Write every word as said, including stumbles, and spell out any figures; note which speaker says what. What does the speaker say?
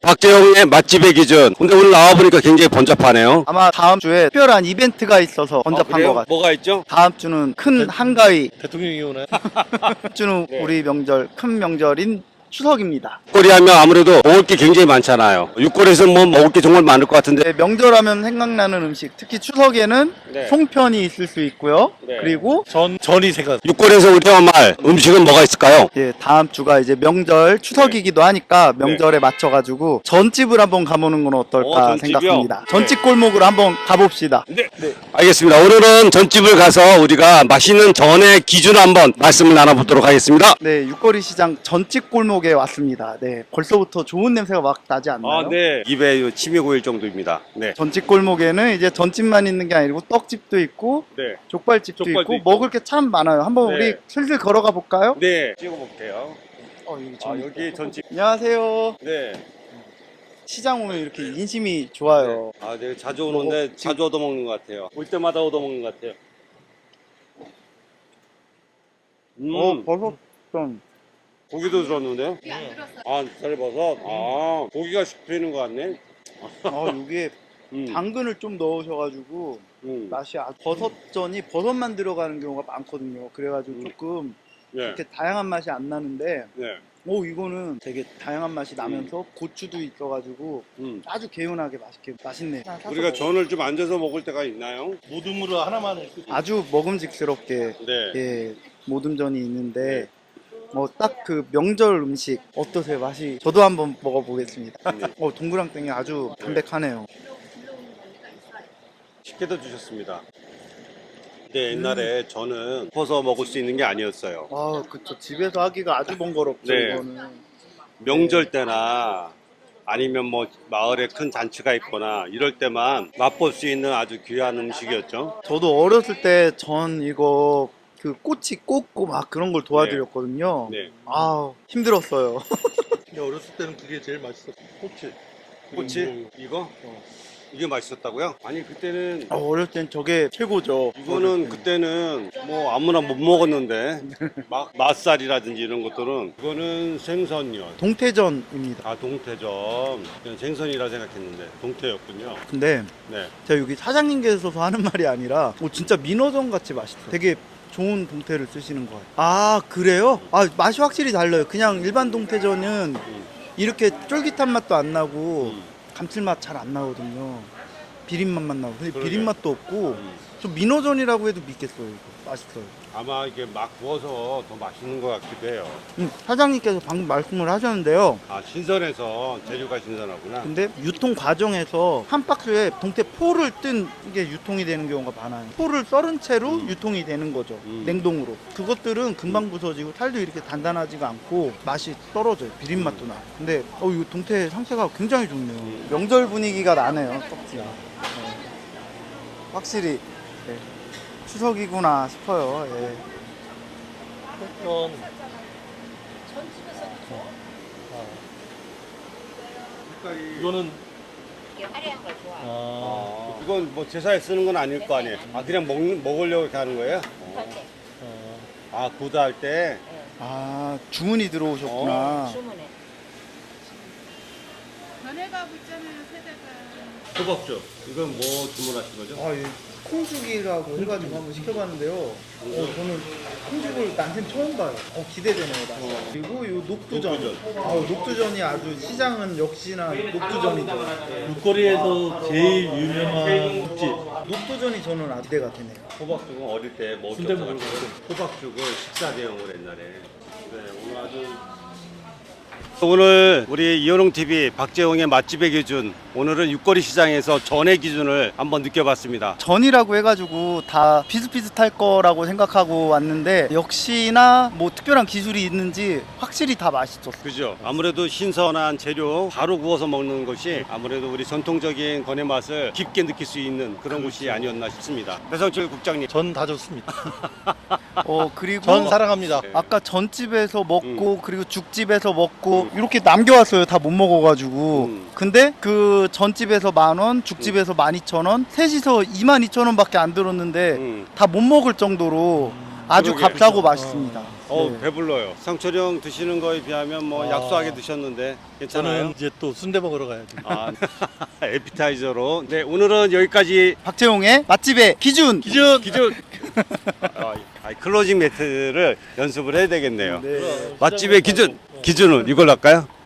Speaker 1: 박재홍의 맛집의 기준. 근데 오늘 나와보니까 굉장히 번잡하네요.
Speaker 2: 아마 다음 주에 특별한 이벤트가 있어서 번잡한
Speaker 1: 그래요?
Speaker 2: 것 같아요.
Speaker 1: 뭐가 있죠?
Speaker 2: 다음 주는 큰 한가위,
Speaker 3: 대통령이 오나요?
Speaker 2: 다음 주는
Speaker 1: 네.
Speaker 2: 우리 명절, 큰 명절인 추석입니다.
Speaker 1: 육골이 하면 아무래도 먹을 게 굉장히 많잖아요. 육골에서 뭐 먹을 게 정말 많을 것 같은데.
Speaker 2: 네, 명절하면 생각나는 음식, 특히 추석에는
Speaker 1: 네.
Speaker 2: 송편이 있을 수 있고요.
Speaker 1: 네.
Speaker 2: 그리고
Speaker 3: 전 전이 생각.
Speaker 1: 육골에서 우리가 말 음식은 뭐가 있을까요?
Speaker 2: 예, 다음 주가 이제 명절 추석이기도 하니까 명절에 맞춰가지고 전집을 한번 가보는 건 어떨까
Speaker 1: 어, 전집이요?
Speaker 2: 생각합니다.
Speaker 1: 네.
Speaker 2: 전집 골목으로 한번 가봅시다.
Speaker 1: 네. 알겠습니다. 오늘은 전집을 가서 우리가 맛있는 전의 기준을 한번 말씀을 나눠보도록 하겠습니다.
Speaker 2: 네, 육거리 시장 전집 골목에 왔습니다. 네, 벌써부터 좋은 냄새가 막 나지 않나요?
Speaker 1: 네. 입에 침이 고일 정도입니다. 네.
Speaker 2: 전집 골목에는 이제 전집만 있는 게 아니고 떡집도 있고
Speaker 1: 네.
Speaker 2: 족발집도,
Speaker 1: 족발도
Speaker 2: 있고,
Speaker 1: 있고.
Speaker 2: 먹을 게 참 많아요. 한번
Speaker 1: 네.
Speaker 2: 우리 슬슬 걸어가 볼까요?
Speaker 1: 네. 찍어볼게요.
Speaker 2: 어, 여기,
Speaker 1: 아,
Speaker 2: 전-
Speaker 1: 여기 전집.
Speaker 2: 안녕하세요.
Speaker 1: 네.
Speaker 2: 시장 오면 이렇게 인심이 좋아요.
Speaker 1: 아, 네. 자주 오는데
Speaker 2: 뭐,
Speaker 1: 자주 얻어먹는 것 같아요. 올 때마다 얻어먹는 것 같아요. 음.
Speaker 2: 어, 버섯 좀.
Speaker 1: 고기도 들었는데요? 아, 쌀버섯. 아, 고기가 씹히는 것 같네.
Speaker 2: 아, 여기에
Speaker 1: 음.
Speaker 2: 당근을 좀 넣으셔가지고
Speaker 1: 음.
Speaker 2: 맛이 아주 버섯전이 버섯만 들어가는 경우가 많거든요. 그래가지고
Speaker 1: 음.
Speaker 2: 조금
Speaker 1: 네.
Speaker 2: 이렇게 다양한 맛이 안 나는데,
Speaker 1: 네.
Speaker 2: 오 이거는 되게 다양한 맛이 나면서 고추도 있어가지고
Speaker 1: 음.
Speaker 2: 아주 개운하게 맛있게 맛있네.
Speaker 1: 우리가 전을 좀 앉아서 먹을 때가 있나요?
Speaker 3: 모둠으로 하나만 있을 수
Speaker 2: 아주 먹음직스럽게
Speaker 1: 네.
Speaker 2: 예, 모듬전이 있는데 뭐 딱 그 명절 음식 어떠세요? 맛이 저도 한번 먹어보겠습니다.
Speaker 1: 네.
Speaker 2: 어 동그랑땡이 아주 담백하네요.
Speaker 1: 식혜도 주셨습니다. 근데 옛날에 저는 퍼서 먹을 수 있는 게 아니었어요.
Speaker 2: 아 그쵸, 집에서 하기가 아주 번거롭죠.
Speaker 1: 네.
Speaker 2: 이거는
Speaker 1: 명절 때나 아니면 뭐 마을에 큰 잔치가 있거나 이럴 때만 맛볼 수 있는 아주 귀한 음식이었죠.
Speaker 2: 저도 어렸을 때 전 이거 그 꼬치 꽂고 막 그런 걸 도와드렸거든요.
Speaker 1: 네.
Speaker 2: 아 힘들었어요.
Speaker 3: 근데 어렸을 때는 그게 제일 맛있었어. 꼬치.
Speaker 1: 꼬치?
Speaker 3: 음.
Speaker 1: 이거? 이게 맛있었다고요? 아니 그때는
Speaker 2: 아, 어렸을 땐 저게 최고죠.
Speaker 1: 이거는 그때는 뭐 아무나 못 먹었는데 막 맛살이라든지 이런 것들은 이거는 생선이요.
Speaker 2: 동태전입니다.
Speaker 1: 아 동태전. 그냥 생선이라 생각했는데 동태였군요.
Speaker 2: 근데
Speaker 1: 네.
Speaker 2: 제가 여기 사장님께서 하는 말이 아니라 오, 진짜 민어전 같이 맛있어요. 되게 좋은 동태를 쓰시는 거예요. 아 그래요? 아 맛이 확실히 달라요. 그냥 일반 동태전은
Speaker 1: 음.
Speaker 2: 이렇게 쫄깃한 맛도 안 나고
Speaker 1: 음.
Speaker 2: 감칠맛 잘 안 나거든요. 비린맛만 나고. 근데
Speaker 1: 그러게.
Speaker 2: 비린맛도 없고
Speaker 1: 음.
Speaker 2: 좀 민어전이라고 해도 믿겠어요. 이거 맛있어요.
Speaker 1: 아마 이게 막 구워서 더 맛있는 것 같기도 해요.
Speaker 2: 음, 사장님께서 방금 말씀을 하셨는데요.
Speaker 1: 아 신선해서 재료가 신선하구나.
Speaker 2: 근데 유통 과정에서 한 박스에 동태 포를 뜬 게 유통이 되는 경우가 많아요. 포를 썰은 채로
Speaker 1: 음.
Speaker 2: 유통이 되는 거죠.
Speaker 1: 음.
Speaker 2: 냉동으로. 그것들은 금방 부서지고 살도 이렇게 단단하지가 않고 맛이 떨어져요. 비린맛도 나요. 근데 어, 이 동태 상태가 굉장히 좋네요.
Speaker 1: 음.
Speaker 2: 명절 분위기가 나네요. 떡지가. 네. 확실히 네. 추석이구나 싶어요. 예.
Speaker 3: 전 이거는
Speaker 4: 이게 화려한 걸 좋아.
Speaker 3: 아,
Speaker 1: 아, 이건 뭐 제사에 쓰는 건 아닐 거 아니에요. 아 그냥 먹 먹으려고 이렇게 하는 거예요?
Speaker 4: 그런데
Speaker 3: 아,
Speaker 1: 아 구다할 때.
Speaker 2: 아 주문이 들어오셨구나.
Speaker 1: 아.
Speaker 4: 주문에
Speaker 5: 변해가고 있잖아요, 세대가.
Speaker 1: 호박죽. 이건 뭐 주문하신 거죠?
Speaker 2: 아, 예. 콩죽이라고 해가지고 한번 시켜봤는데요. 어, 저는 콩죽을 난생 처음 봐요. 어, 기대되네요, 맛이.
Speaker 1: 어.
Speaker 2: 그리고 이 녹두전.
Speaker 1: 녹두전.
Speaker 2: 아, 녹두전이 아주 시장은 역시나 녹두전이죠.
Speaker 3: 육거리에서 제일 유명한 국집.
Speaker 2: 녹두전이 저는 아 기대가 되네요.
Speaker 1: 호박죽은 어릴 때 먹었던
Speaker 3: 순대
Speaker 1: 것
Speaker 3: 먹을
Speaker 1: 같아요. 호박죽을 식사 대용으로 옛날에. 네, 오늘 아주 오늘 우리 이현웅 티비 박재홍의 맛집의 기준, 오늘은 육거리 시장에서 전의 기준을 한번 느껴봤습니다.
Speaker 2: 전이라고 해가지고 다 비슷비슷할 거라고 생각하고 왔는데 역시나 뭐 특별한 기술이 있는지 확실히 다 맛있었어요.
Speaker 1: 그죠? 아무래도 신선한 재료 바로 구워서 먹는 것이 아무래도 우리 전통적인 건의 맛을 깊게 느낄 수 있는 그런 곳이 아니었나 싶습니다. 배성철 국장님.
Speaker 3: 전 다 좋습니다.
Speaker 2: 어 그리고
Speaker 3: 전 사랑합니다.
Speaker 2: 아까 전집에서 먹고
Speaker 1: 음.
Speaker 2: 그리고 죽집에서 먹고 이렇게 남겨왔어요. 다 못 먹어가지고.
Speaker 1: 음.
Speaker 2: 근데 그 전집에서 만원, 죽집에서 만 이천 원, 셋이서 이만 이천 원밖에 안 들었는데
Speaker 1: 음.
Speaker 2: 다 못 먹을 정도로 아주
Speaker 1: 그러게.
Speaker 2: 값싸고 맛있습니다.
Speaker 1: 어
Speaker 2: 네.
Speaker 1: 배불러요. 상철이 형 드시는 거에 비하면 뭐
Speaker 3: 아.
Speaker 1: 약소하게 드셨는데 괜찮아요?
Speaker 3: 저는 이제 또 순대 먹으러 가야죠.
Speaker 1: 아, 에피타이저로. 네, 오늘은 여기까지
Speaker 2: 박재홍의 맛집의 기준.
Speaker 3: 기준.
Speaker 1: 기준. 아, 아, 클로징 매트를 연습을 해야 되겠네요.
Speaker 2: 네.
Speaker 1: 맛집의 기준. 기준은 이걸로 할까요?